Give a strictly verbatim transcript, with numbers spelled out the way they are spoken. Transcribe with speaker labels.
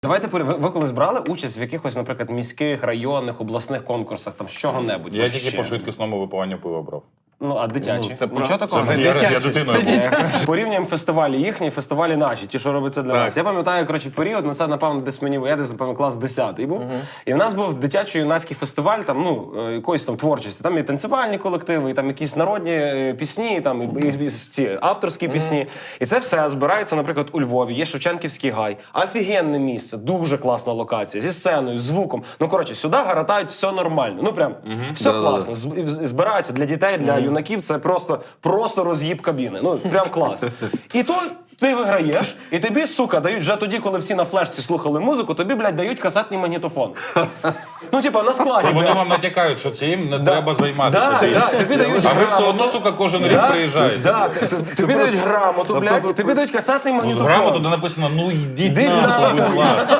Speaker 1: Давайте ви, ви колись брали участь в якихось, наприклад, міських, районних, обласних конкурсах, там з чого-небудь?
Speaker 2: Я
Speaker 1: вообще?
Speaker 2: тільки по швидкісному випиванню пива брав.
Speaker 1: Ну, а дитячі?
Speaker 3: Ну, це
Speaker 1: Нічого
Speaker 3: про-
Speaker 1: такого?
Speaker 2: Це я, я дитиною був.
Speaker 1: Порівнюємо фестивалі їхні, фестивалі наші, ті, що робиться для
Speaker 3: Так.
Speaker 1: нас. Я пам'ятаю, коротше, період, ну це, напевно, десь мені, я десь, напевно, клас десятий був. І в нас був дитячо-юнацький фестиваль, там, ну, е, якоїсь там творчості. Там і танцювальні колективи, і там якісь народні е, пісні, і там і, і, і ці авторські пісні. І це все збирається, наприклад, у Львові, є Шевченківський гай. Офігенне місце, дуже класна локація, зі сценою, звуком. Ну, коротше, сюди гаратають все нормально. Ну, прям, все
Speaker 4: Да-да-да.
Speaker 1: класно. З- з- Збираються для дітей, для юнаків, це просто, просто роз'їб кабіни. Ну, прям клас. І тут ти виграєш, і тобі, сука, дають вже тоді, коли всі на флешці слухали музику, тобі, блядь, дають касетний магнітофон. Ну, типа, на складі.
Speaker 2: Це вони
Speaker 1: блядь.
Speaker 2: вам натякають, що цим не треба займатися.
Speaker 1: Да,
Speaker 2: цим.
Speaker 1: да, тобі дають
Speaker 2: А ви все
Speaker 1: грамоту.
Speaker 2: одно, сука, кожен рік
Speaker 1: Да,
Speaker 2: приїжджаєте.
Speaker 1: да, т- т- тобі дають грамоту, блядь, тобі дають касетний
Speaker 2: Тут
Speaker 1: магнітофон.
Speaker 2: грамоту, де написано, ну йдіть
Speaker 1: Іди
Speaker 2: нахуй,
Speaker 1: нахуй.
Speaker 2: будь ласка.